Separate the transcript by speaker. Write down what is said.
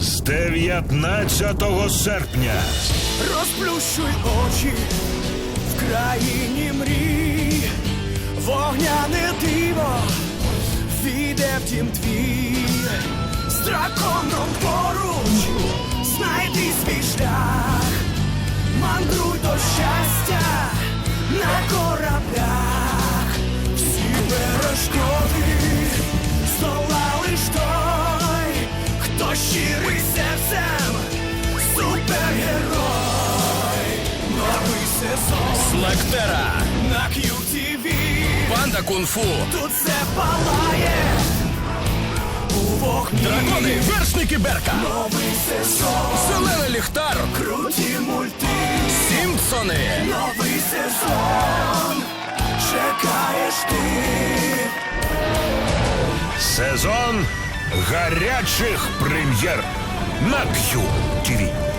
Speaker 1: з 19 серпня.
Speaker 2: Розплющуй очі в країні мрій, вогняне диво війде в дім твій, з драконом поруч знайди свій шлях, мандруй до щастя на кораблях, всі перешкоди здолав лиш той, хто щирий серцем, супергерой. Новий сезон
Speaker 3: Слактера,
Speaker 2: на QTV.
Speaker 3: Панда Кунг-фу,
Speaker 2: Тут все палає у вогні.
Speaker 3: Дракони, вершники Берка,
Speaker 2: Новий сезон,
Speaker 3: Зелений ліхтар,
Speaker 2: круті мульти.
Speaker 3: Сімпсони,
Speaker 2: Новий сезон, чекаєш ти.
Speaker 1: Сезон гарячих прем'єр на QTV.